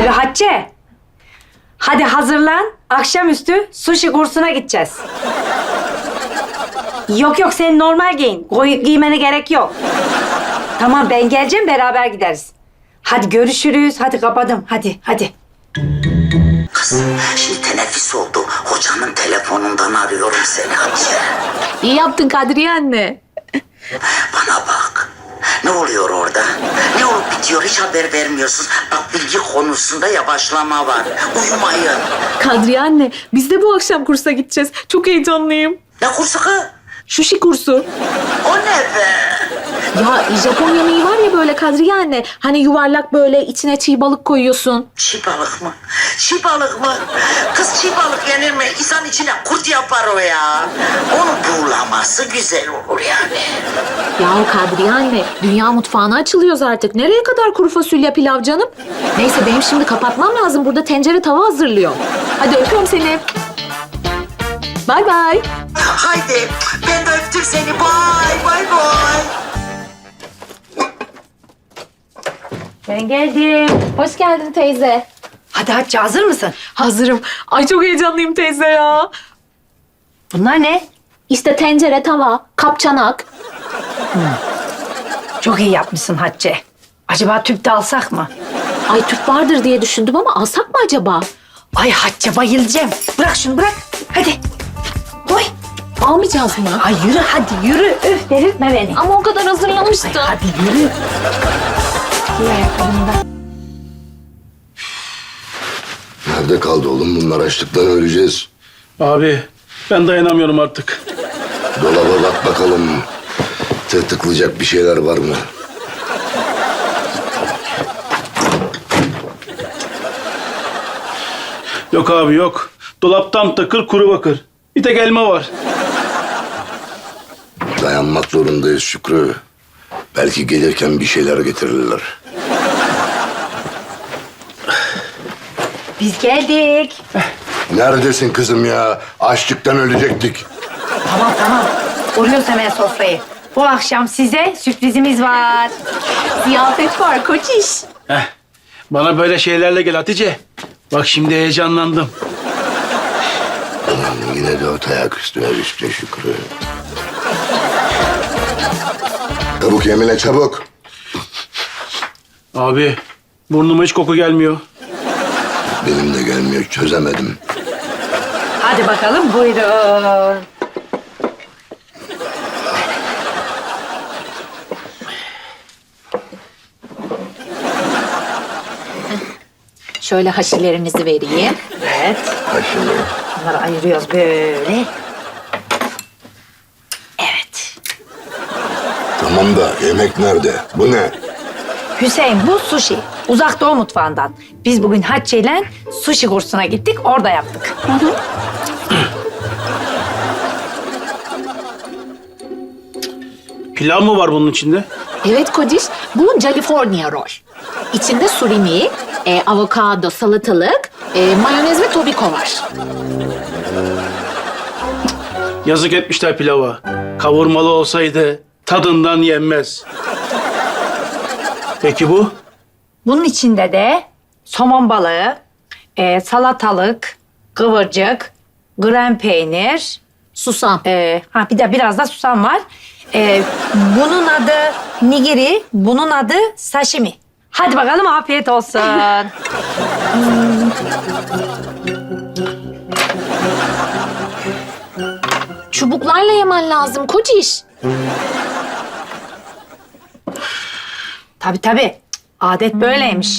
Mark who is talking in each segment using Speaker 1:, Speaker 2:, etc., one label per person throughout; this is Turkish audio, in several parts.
Speaker 1: Alo Hatice. Hadi hazırlan. Akşamüstü sushi kursuna gideceğiz. Yok yok sen normal giyin. Giymene gerek yok. Tamam ben geleceğim beraber gideriz. Hadi görüşürüz. Hadi kapadım. Hadi.
Speaker 2: Kız şimdi teneffüs oldu. Hocanın telefonundan arıyorum seni Hatice.
Speaker 3: İyi yaptın Kadriye anne.
Speaker 2: Bana bak. Ne oluyor orada? Ne olup bitiyor hiç haber vermiyorsun. Bak bilgi konusunda yavaşlama var. Uyumayın.
Speaker 3: Kadriye anne, biz de bu akşam kursa gideceğiz. Çok heyecanlıyım.
Speaker 2: Ne kursu kız?
Speaker 3: Sushi kursu.
Speaker 2: O ne be?
Speaker 3: Ya Japon yemeği var ya böyle Kadriye anne. Hani yuvarlak böyle içine çiğ balık koyuyorsun.
Speaker 2: Çiğ balık mı? Çiğ balık mı? Kız çiğ balık yenir mi? İnsan içine kurt yapar o ya. Onu buğulaması güzel olur yani.
Speaker 3: Ya Kadriye anne, dünya mutfağına açılıyoruz artık. Nereye kadar kuru fasulye pilav canım? Neyse benim şimdi kapatmam lazım. Burada tencere tava hazırlıyor. Hadi öpüyorum seni. Bay bay.
Speaker 2: Haydi ben de öptüm seni. Bay bay.
Speaker 1: Ben geldim.
Speaker 3: Hoş geldin teyze.
Speaker 1: Hadi Hatice hazır mısın?
Speaker 3: Hazırım. Ay çok heyecanlıyım teyze ya.
Speaker 1: Bunlar ne?
Speaker 3: İşte tencere, tava, kap, çanak.
Speaker 1: Çok iyi yapmışsın Hatice. Acaba tüp de alsak mı?
Speaker 3: Ay tüp vardır diye düşündüm ama alsak mı acaba?
Speaker 1: Ay Hatice bayılacağım. Bırak şunu bırak. Hadi. Koy.
Speaker 3: Almayacağız mı?
Speaker 1: Ay yürü hadi yürü. Öf delirtme beni.
Speaker 3: Ama o kadar hazırlamıştım.
Speaker 1: Hadi yürü. Giy ayakkabını da.
Speaker 4: Nerede kaldı oğlum bunlar? Açlıktan öleceğiz.
Speaker 5: Abi ben dayanamıyorum artık.
Speaker 4: Dolaba bak bakalım. Tırtıklayacak bir şeyler var mı?
Speaker 5: Yok abi yok. Dolaptan takır kuru bakır. Bir tek elma var.
Speaker 4: Dayanmak zorundayız Şükrü. Belki gelirken bir şeyler getirirler.
Speaker 1: Biz geldik.
Speaker 4: Neredesin kızım ya? Açlıktan ölecektik.
Speaker 1: Tamam. Kuruyoruz hemen sofrayı. Bu akşam size sürprizimiz var.
Speaker 3: Ziyafet var koç iş.
Speaker 5: Bana böyle şeylerle gel Hatice. Bak şimdi heyecanlandım.
Speaker 4: Ulan yine dört ayak üstüne düştü Şükrü. Çabuk Emine çabuk.
Speaker 5: Abi burnuma hiç koku gelmiyor.
Speaker 4: Benim de gelmiyor, çözemedim.
Speaker 1: Hadi bakalım buyurun.
Speaker 3: Şöyle haşilerinizi vereyim.
Speaker 1: Evet.
Speaker 4: Ha şimdi.
Speaker 1: Bunları ayırıyoruz böyle. Evet.
Speaker 4: Tamam da yemek nerede? Bu ne?
Speaker 1: Hüseyin bu sushi. Uzak Doğu mutfağından. Biz bugün Hatice ile sushi kursuna gittik. Orada yaptık.
Speaker 5: Pilav mı var bunun içinde?
Speaker 3: Evet Kodiş, bu California roll. İçinde surimi, avokado, salatalık, mayonez ve tobiko var.
Speaker 5: Yazık etmişler pilava. Kavurmalı olsaydı tadından yenmez. Peki bu?
Speaker 1: Bunun içinde de somon balığı, salatalık, kıvırcık, krem peynir,
Speaker 3: Susam.
Speaker 1: bir de biraz da susam var. Bunun adı nigiri, bunun adı sashimi. Hadi bakalım afiyet olsun.
Speaker 3: Çubuklarla yemen lazım Kodiş.
Speaker 1: Tabii. Adet böyleymiş.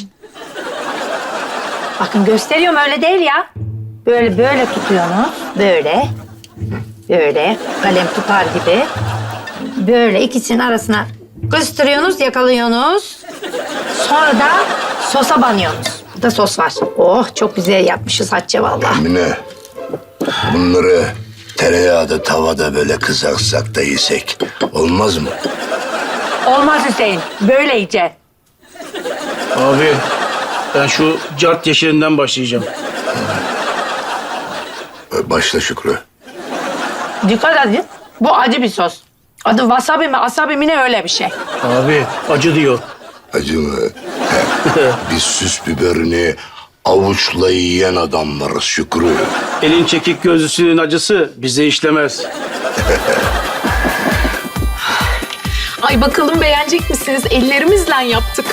Speaker 1: Bakın gösteriyorum öyle değil ya. Böyle tutuyorsunuz. Böyle kalem tutar gibi. Böyle ikisinin arasına kıstırıyorsunuz, yakalıyorsunuz. Sonra da sosa banıyorsunuz. Burada sos var. Oh çok güzel yapmışız Hatice vallahi.
Speaker 4: Emine, bunları tereyağda tavada böyle kızartsak da yesek olmaz mı?
Speaker 1: Olmaz Hüseyin. Böyle yiyeceksin.
Speaker 5: Abi ben şu cart yeşilinden başlayacağım.
Speaker 4: Başla Şükrü.
Speaker 1: Dikkat edin. Bu acı bir sos. Adı wasabi mi, asabi mi ne öyle bir şey.
Speaker 5: Abi acı diyor.
Speaker 4: Acı mı? Bir süs biberini avuçla yiyen adamlarız Şükrü.
Speaker 5: Elin çekik gözlüsünün acısı bize işlemez.
Speaker 6: Ay bakalım beğenecek misiniz? Ellerimizle yaptık.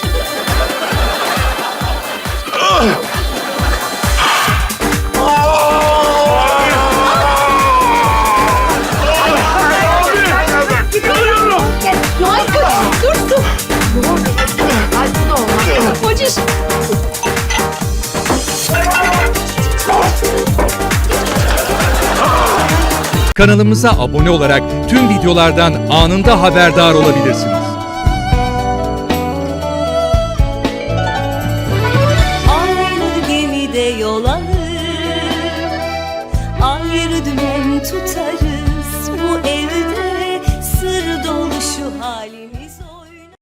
Speaker 7: Kanalımıza abone olarak tüm videolardan anında haberdar olabilirsiniz.
Speaker 8: Aynı gemide yol alır, ayrı dümen tutar.